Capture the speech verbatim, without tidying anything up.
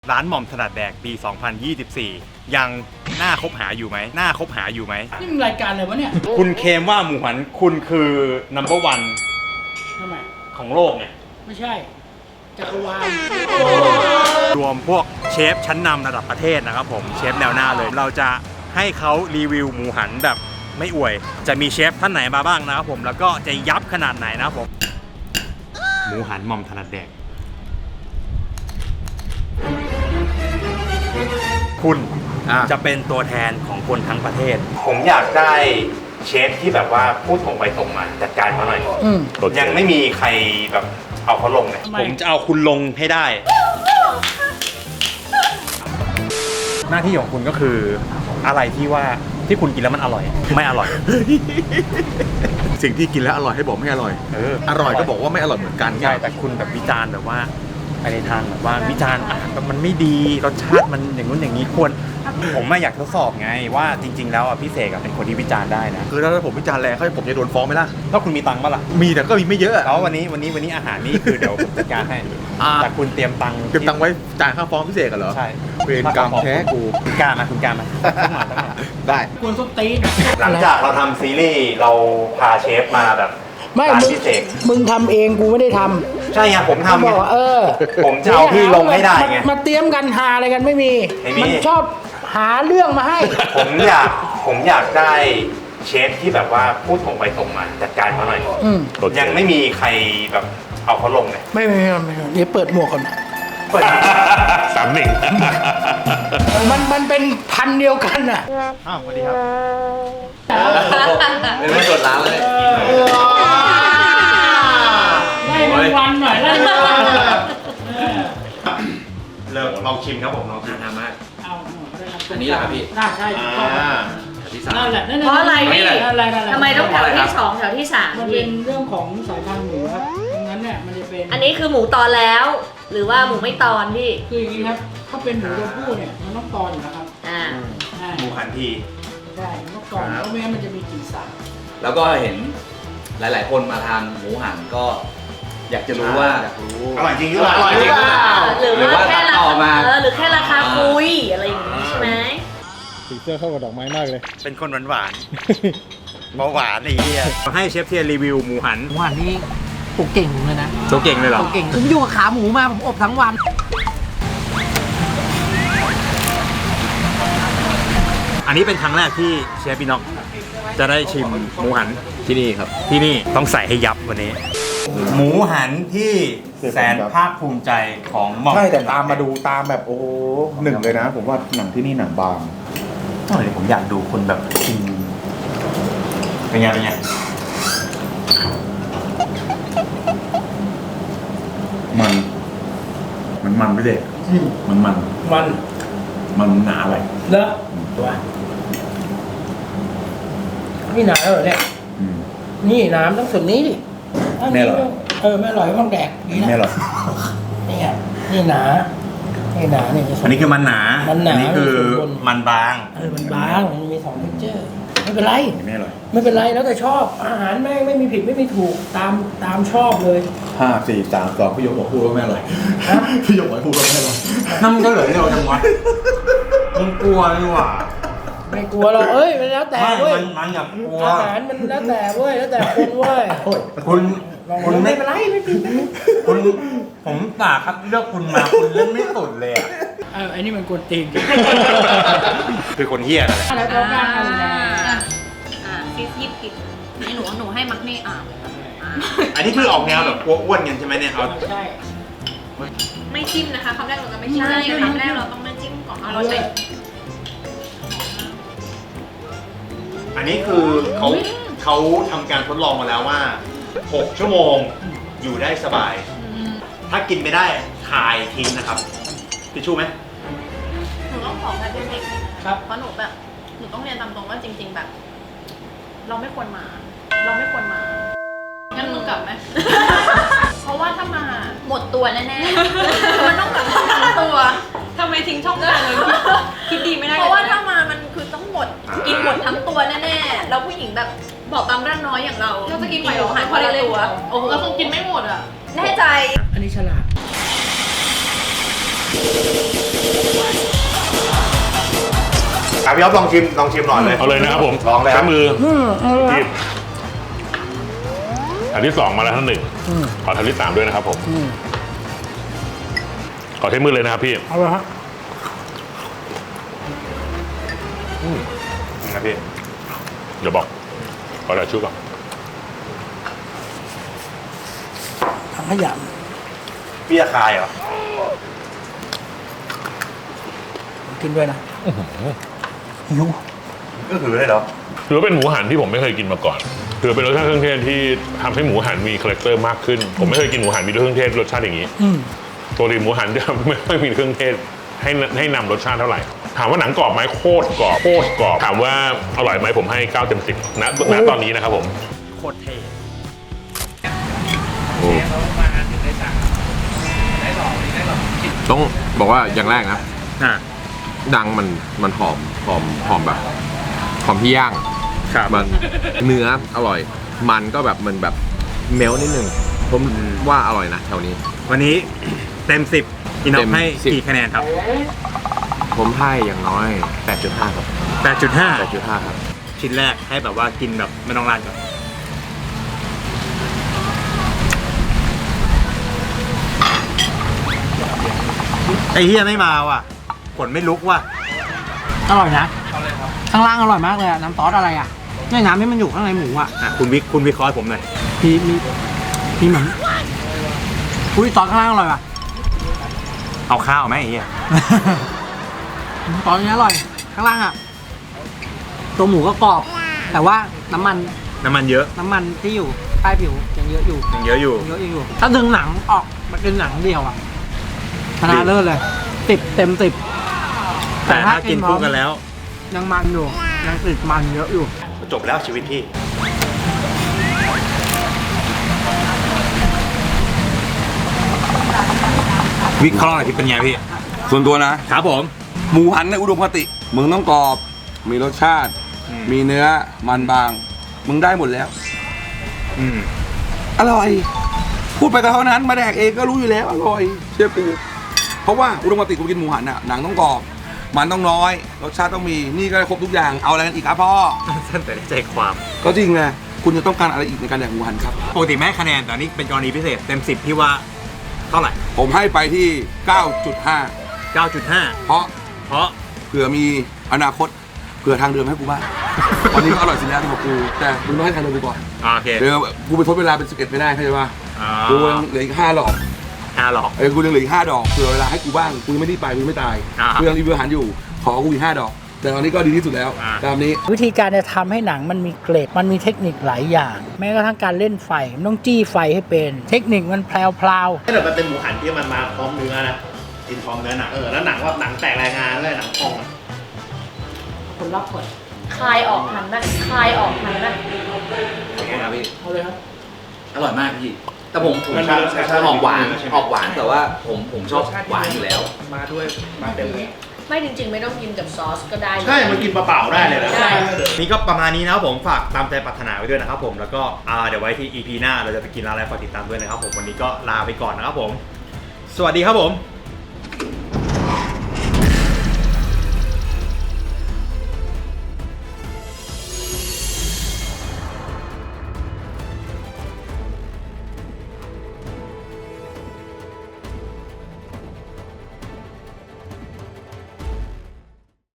ร้านหม่อมถนัดแดกปี สองพันยี่สิบสี่ ยังน่าคบหาอยู่ไหมน่าคบหาอยู่ไหมนี่มันรายการอะไรวะเนี่ยคุณเคลมว่าหมูหันคุณคือ นัมเบอร์วันทำไมของโลกไงไม่ใช่ จักรวาลรวมพวกเชฟชั้นนำระดับประเทศนะครับผมเชฟแนวหน้าเลย เราจะให้เขารีวิวหมูหันแบบไม่อวย จะมีเชฟท่านไหนมาบ้างนะครับผมแล้วก็จะยับขนาดไหนนะครับผมหมูหันหม่อมถนัดแดกคุณจะเป็นตัวแทนของคนทั้งประเทศ ผมอยากได้เชฟที่แบบว่าพูดตรงไปตรงมาจัดการเขาหน่อยอืมยังไม่มีใครแบบเอาเขาลงเลยทำไมผมจะเอาคุณลงให้ได้ หน้าที่ของคุณก็คืออะไรที่ว่าที่คุณกินแล้วมันอร่อย ไม่อร่อยสิ่งที่กินแล้วอร่อยให้บอกไม่อร่อยเอออร่อยก็บอกว่าไม่อร่อยเหมือนกันใช่แต่คุณแบบวิจารณ์แบบว่าไปในทางแบบว่าวิจารณ์อาหารแบบมันไม่ดีรสชาติมันอย่างนู้นอย่างนี้ควรผมไม่อยากทดสอบไงว่าจริง ๆ แล้วอ่ะพี่เสกอะเป็นคนที่วิจารณ์ได้นะคือถ้าผมวิจารณ์แรงเขาผมจะโดนฟ้องไหมล่ะถ้าคุณมีตังค์ปะล่ะมีแต่ก็มีไม่เยอะอะแล้ววันนี้วันนี้วันนี้อาหารนี่คือเดี๋ยวผมจัดการให้อ่าแต่คุณเตรียมตังค์เก็บตังค์ไว้จ่ายค่าฟ้องพิเศษกันเหรอใช่เวรกรรมแท้กูคุณกล้ามาคุณกล้ามาต้องมาต้องมาได้กวนส้นตีนหลังจากเราทำซีรีส์เราพาเชฟมาแบบไม่ร้านมึงพิเศษมึงทำเองกูไม่ได้ทใช่ไงผมำทำบไงอกว่าเออผมจะเอาพี่ลงให้ได้ไงมามาเตรียมกันหาอะไรกันไม่มีไม่มีมันชอบหาเรื่องมาให้ผมอยากผมอยากได้เชฟที่แบบว่าพูดตรงไปตรงมาจัดการเขาหน่อยอืมยังไม่มีใครแบบเอาเขาลงเลยไม่ไม่ไม่ไม่เดี๋ยวเปิดหมวกก่อนเปิดสามหนึ่งมันมันเป็นพันธุ์เดียวกันอ่ะอ้าวสวัสดีครับเป็นไม่กดร้านเลยไล่มันวันหน่อยไล่มันวันหน่อยเออเริ่มลองชิมครับผมลองชิมนะมากเอาหน่อยได้อันนี้เหรอครับพี่น่าใช่ถูกต้องที่สามนั่นแหละนั่นแหลเพราะอะไรพี่นั่นแหละนั่นแหละทำไมต้องแถวที่สองแถวที่สามมันพี่เป็นเรื่องของสายพันธุ์หมูครับดังนั้นเนี่ยมันจะเป็นอันนี้คือหมูตอนแล้ว หรือว่าหมูไม่ตอนพี่คืออย่างนี้ครับ ถ้าเป็นหมูตัวผู้เนี่ยมันต้องตอนอยู่แล้วครับอ่าใช่หมูหันทีใช่มันต้องตอนเพราะไม่งั้นมันจะมีกลิ่นสาบแล้วก็เห็นหลาย ๆ คนมาทานหมูหันก็อยากจะรู้ว่าอยากรู้อร่อยจริงหรือเปล่าอร่อยจริงหรือหรือว่าว่าแค่ตัดราต่อคามาเออหรือแค่ราคาคุยอะไรอย่างงี้ใช่ไหมสีเสื้อเข้ากับดอกไม้มากเลยเป็นคนหวานหวานเบาหวานไอ้เหี้ยให้เชฟเทียรีวิวหมูหันหมูหันนี่ผมเก่งเลยนะตัวเก่งเลยเหรอผมเก่งผมอยู่กับขาหมูมาผมอบทั้งวันอันนี้เป็นครั้งแรกที่เชฟพี่น็อกจะได้ชิมหมูหันที่นี่ครับที่นี่ต้องใส่ให้ยับวันนี้ หมูหันที่แสนภาคภูมิใจของหม่อมใช่แต่ตามมาดูตามแบบโอ้โหหนึ่งเลยนะ ผมว่าหนังที่นี่หนังบางเออผมอยากดูคนแบบกินเป็นไงเป็นไงมัน มันมันไม่เด็กมันมันมันมันหนาไปเลอะตัวนี่หนาแล้วเหรอเนี่ยอืมนี่น้ำต้องส่วนนี้ดิถ้าแน่เหรอเออไม่อร่อยก็ต้องแดกนี่นะไม่หรอกนี่ไงนี่หนานี่หนาเนี่ยจะส่อัวนนี้คือมันหนามันหนาอันี้คือส่วนบนมันบางเออมันบางมันมีสองเท็กเจอร์ไม่เป็นไรไม่อร่อยไม่เป็นไรแล้วแต่ชอบอาหารแม่งไม่มีผิดไม่มีถูกตามตามชอบเลยห้าสี่สามสองพี่ยกหัวพูดว่าไม่อร่อยพี่ยกหัวพูดว่าไม่อร่อยนั่นมันก็เหลือให้เราจังวะมึงกลัวนี่หว่าไม่กลัวหรอกเอ้ยมันแล้วแต่ไม่เว้ยมันมันอย่ากลัวอาหารมันแล้วแต่เว้ยแล้วแต่คนเว้ยคุณลองคุณไม่ไม่เป็นไรไม่เป็นไรคุณผมสาคัดเลือกคุณมาคุณเล่นไม่สุดเลยอะเออไอ้นี่มันกวนตีนคือคนเฮี้ยนั่นแหละแล้วก็การอะไรอ่าอ่าซีซีผิดนี่หนูหนูให้มักนี่อ่าอ่าอันนี้คือออกแนวแบบกลัวอ้วนกันใช่ไหมเนี่ยเอาใช่ไม่จิ้มนะคะคำแรกเราจะไม่จิ้มใช่คำแรกเราต้องไม่จิ้มก่อนเราใช้อันนี้คือเขาเขาทำการทดลองมาแล้วว่าหกชั่วโมงอยู่ได้สบาย ถ้ากินไม่ได้คายทิ้งนะครับทิชชู่ไหมหนูต้องขอแบบเด็กๆนะครับ เพราะหนูแบบหนูต้องเรียนตามตรงว่าจริง ๆแบบ เราไม่ควรมา เราไม่ควรมางั้นมึงกลับไหม เพราะว่าถ้ามาหมดตัวแน่ๆมันต้องกลับมาทั้งตัวทำไมทิ้งช่องทางเลยคิดดีไม่ได้เพราะว่าถ้ามามันคือต้องหมดกินหมดทั้งตัวแน่ๆแล้วผู้หญิงแบบบอกตามร่างน้อยอย่างเราเราจะกินไหวหรอหายพอละตัวโอ้โหเราคงกินไม่หมดอ่ะแน่ใจอันนี้ฉลาดอ่ะพี่อ๊อฟลองชิมลองชิมหน่อยเลยเอาเลยนะครับผมลองเลยคใช้รับมืออืมเอาเลยคหรัยิบบอันที่สองมาแล้วท่านหนึ่งอืมขอทันที่สามด้วยนะครับผมอืมขอใช้มือเลยนะครับพี่เอาเลยครับนะพี่เดี๋ยวบอกขอแต่ชุบก่อนถังขยะพี่จะคายเหรอกินด้วยนะหิวก็คือเลยเหรอถือว่าเป็นหมูหันที่ผมไม่เคยกินมาก่อนถือเป็นรสชาติเครื่องเทศที่ทำให้หมูหันมีคาแรคเตอร์มากขึ้น ผมไม่เคยกินหมูหันมีเครื่องเทศรสชาติอย่างนี้อืมตัวดีหมูหันจะไม่ค่อยมีเครื่องเทศให้ให้นำรสชาติเท่าไหร่ ถามว่าหนังกรอบไหมโคตรกรอบโคตรกรอบถามว่าอร่อยไหมผมให้เก้าเต็มสิบณณตอนนี้นะครับผมโคตรเท่ต้องบอกว่าอย่างแรกนะอ่ะดังมันมันหอมหอมหอมแบบหอมที่ย่างครับมันเนื้ออร่อย มันก็แบบมันแบบเมลนิดนึงผมว่าอร่อยนะแถวนี้วันนี้เต็มสิบอินอเต็ฟมให้สิบกี่คะแนนครับผมให้อย่างน้อย แปดจุดห้า ครับแปดจุดห้าแปดจุดห้า ครับชิ้นแรกให้แบบว่ากินแบบไม่ต้องราดก่อนไอ้เฮียไม่มาว่ะผลไม่ลุกว่ะอร่อยนะข้างล่างอร่อยมากเลยอะน้ำซอสอะไรอ่ะเนี่ยน้ำที่มันอยู่ข้างในหมูอ่ะอ่ะคุณวิคุณวิเคราะห์ให้ผมหน่อยมีมีมีเหมือนอุ้ยซอสข้างล่างอร่อยป่ะเอาข้าวไหมไอ้เฮียซอสนี้อร่อยข้างล่างอ่ะตัวหมูก็กรอบ แต่ว่าน้ำมันน้ำมันเยอะน้ำมันที่อยู่ใต้ผิวยังเยอะอยู่ยังเยอะอยู่ยังเยอะอยู่ ถ้าดึงหนังออกมันเป็นหนังเดียวอ่ะชนะเลิศเลยสิบเต็มสิบแต่ถ้ากินคู่กันแล้วยังมันอยู่ยังติดมันเยอะอยู่จบแล้วชีวิตพี่ วิเคราะห์หน่อยพี่เป็นไงพี่ส่วนตัวนะครับผมหมูหันในอุดมคติมึงต้องกรอบ มีรสชาติอืมมีเนื้อมันบาง มึงได้หมดแล้วอืมอร่อย พูดไปก็เท่านั้นมาแดกเองก็รู้อยู่แล้วอร่อยเชื่อกูเพราะว่าอุดมคติกูกินหมูหันอ่ะหนังต้องกรอบ มันต้องน้อย รสชาติต้องมีนี่ก็ครบทุกอย่างเอาอะไรกันอีกครับพ่อสั้นแต่ได้ใจความก็จริงไงคุณจะต้องการอะไรอีกในการแดกหมูหันครับปกติไม่ให้คะแนนแต่อันนี้เป็นกรณีพิเศษเต็มสิบพี่ว่าเท่าไหร่ผมให้ไปที่ เก้าจุดห้าเก้าจุดห้าเพราะเพราะเผื่อมีอนาคตเผื่อทางเดิมให้กูบ้างวันนี้ก็อร่อยสิแล้วสำหรับกูแต่มึงต้องให้ทางเดิมกูก่อนอ่าโอเคเดี๋ยวกูไปทดเวลาเป็นสิบเอ็ดไม่ได้เข้าใจป่ะอ่ากูยังเหลืออีกห้าดอกห้าหลอกเออกูยังเหลืออีกห้าดอกเผื่อเวลาให้กูบ้างกูยังไม่ได้ไปกูยังไม่ตายอ่ากูยังรีวิวอาหารอยู่ขอกูอีกห้าดอก แต่ตอนนี้ก็ดีที่สุดแล้วอ่าตามนี้วิธีการจะทำให้หนังมันมีเกรดมันมีเทคนิคหลายอย่าง แม้กระทั่งการเล่นไฟมันต้องจี้ไฟให้เป็น เทคนิคมันแพรวถ้าเกิดมันเป็นหมูหันที่มันมาพร้อมเนื้อนะกินพร้อมเนื้อหนังเออแล้วหนังว่าหนังแตกรายงานเลยหนังพองอะคนรอบกดคลายออกทันไหมคลายออกทันไหมนะพี่ๆเอาเลยครับอร่อยมากพี่ แต่ผมผมชอบออกหวานออกหวานแต่ว่าผมผมชอบหวานอยู่แล้วมาด้วยมาเต็มเลยไม่จริงๆ ไม่ต้องกินกับซอสก็ได้ใช่มันกินเปล่าๆได้เลยนะได้นี่ก็ประมาณนี้นะครับผมฝากตามใจปรารถนาไว้ด้วยนะครับผมแล้วก็อ่าเดี๋ยวไว้ที่ อี พี หน้าเราจะไปกินร้านอะไรฝากติดตามด้วยนะครับผมวันนี้ก็ลาไปก่อนนะครับผม สวัสดีครับผม